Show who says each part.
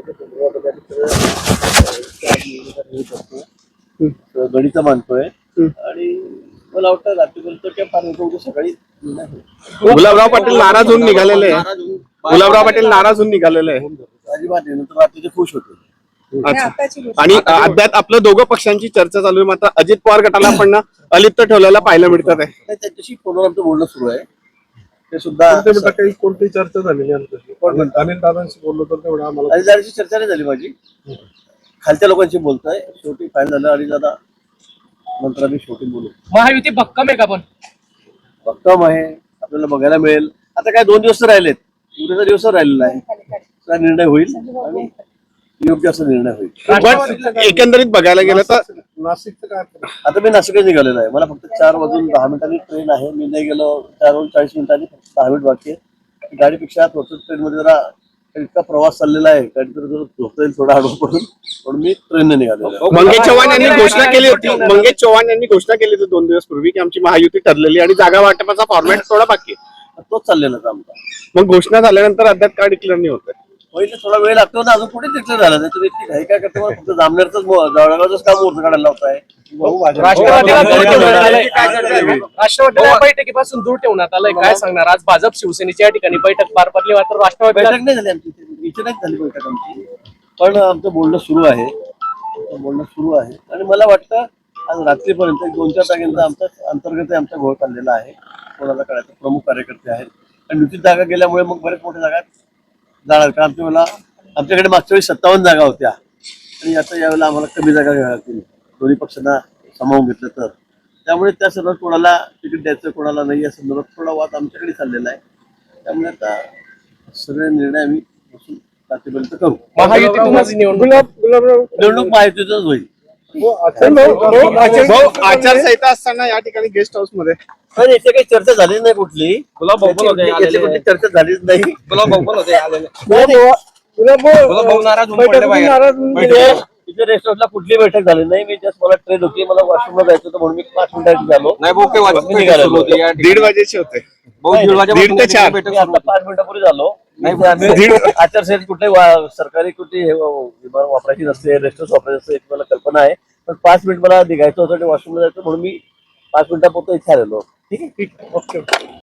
Speaker 1: गणित मानतोय आणि मला वाटतं रात्रीपर्यंत काय फार उद्या सकाळी
Speaker 2: गुलाबराव पाटील नाराज होऊन निघालेले आहे. गुलाबराव पाटील नाराज होऊन निघालेले आहे.
Speaker 1: अजिबात नाही, नंतर रात्रीचे खुश होते.
Speaker 2: अच्छा. आणि अद्याप आपलं दोघं पक्षांची चर्चा चालू आहे. मात्र अजित पवार गटाला पण अलिप्त ठेवलेला पाहायला मिळतात आहे.
Speaker 1: त्यांच्याशी फोनवर आमचं बोलणं सुरू आहे. ते सुद्धा
Speaker 3: काही कोणती चर्चा झालेली अनिल दादांशी बोललो तर तेवढं आम्हाला
Speaker 1: अनिलदादांशी चर्चा नाही झाली माझी. खालच्या लोकांशी बोलतोय. शेवटी फायनल झालं आणि दादा नंतर आम्ही शेवटी बोलू.
Speaker 4: महायुती भक्कम आहे का? पण
Speaker 1: भक्कम आहे, आपल्याला बघायला मिळेल. आता काय 2 दिवस राहिलेत, उद्याचा दिवस राहिलेला आहे. त्याचा निर्णय होईल आणि योग्य असा निर्णय होईल.
Speaker 2: पण एकंदरीत बघायला गेलं तर
Speaker 3: नाशिकचं काय
Speaker 1: आता मी नाशिकला निघालेलो आहे. मला फक्त 4:10 ट्रेन आहे. मी नाही गेलो 4:40 फक्त 10 मिनिट बाकी आहे. गाडीपेक्षा ट्रेनमध्ये जरा इतका प्रवास चाललेला आहे, काहीतरी जर झोपता येईल थोडा हळू पडून, पण मी ट्रेनने निघालेलो आहे.
Speaker 2: मंगेश चव्हाण यांनी घोषणा केली होती. मंगेश चव्हाण यांनी घोषणा केली होती 2 दिवस पूर्वी की आमची महायुती ठरलेली आणि जागा वाटपाचा फॉर्मॅट थोडा बाकी आहे.
Speaker 1: तोच चाललेला आहे आमचा.
Speaker 2: मग घोषणा झाल्यानंतर अद्याप काय डिक्लेअर नाही होत.
Speaker 1: पहिले थोडा वेळ लागतो ना, अजून पुढे डिक्लेअर झालं नाही. तुम्ही इतकी घाई काय करते? मला फक्त जामनेरच जळगावच काम मुहूर्त काढायला लावताय.
Speaker 4: राष्ट्रवादीला दूर ठेवण्यात आलंय. राष्ट्रवादीला बैठकीपासून दूर ठेवण्यात आलंय. काय सांगणार? आज भाजप शिवसेनेच्या या ठिकाणी बैठक पार पडली, मात्र राष्ट्रवादीला
Speaker 1: बैठक नाही झाली आमची, इथे नाही झाली बैठक आमची. पण आमचं बोलणं सुरू आहे. आणि मला वाटतं आज रात्रीपर्यंत 2-4 जागांचा आमचा अंतर्गत आमचा घोळ चाललेला आहे. कोणाला कळायचं प्रमुख कार्यकर्ते आहेत आणि निश्चित जागा गेल्यामुळे मग बरेच मोठ्या जागा जाणार. कारण आमच्याकडे मागच्या वेळी 57 जागा होत्या आणि आता यावेळेला आम्हाला कमी जागा घ्याव्या लागतील, दोन्ही पक्षांना सामावून घेतलं तर. त्यामुळे त्या सर्व कोणाला तिकीट द्यायचं कोणाला नाही या संदर्भात थोडा वाद आमच्याकडे चाललेला आहे. त्यामुळे आता सगळे निर्णय आम्ही बसून रात्रीपर्यंत करू.
Speaker 4: महायुतीतूनच
Speaker 1: निवडणूक महायुतीतच होईल.
Speaker 2: आचारसंहिता असताना या ठिकाणी गेस्ट हाऊस मध्ये
Speaker 1: पण इथे काही चर्चा झाली नाही कुठली. याची कुठली चर्चा झालीच नाही. इथे रेस्ट हाऊसला कुठली बैठक झाली नाही. मी जस्ट मला ट्रेन होती, मला वॉशरूमला जायचं होतं म्हणून मी 5 मिनिटांनी झालो.
Speaker 2: 1:30 वाजेचे होते. 1:30 ते 4.
Speaker 1: मी आता 5 मिनिटापूर्वी झालो. आचारसंहिता कुठे सरकारी कुठे विमान वापरायची नसते, रेस्ट हाऊस वापरायचं असते याची मला कल्पना आहे. पण 5 मिनिट मला निघायचं होतं, वॉशरूमला जायचं म्हणून मी 5 मिनिटापुरतं इथे आलेलो. ठीक आहे, ओके.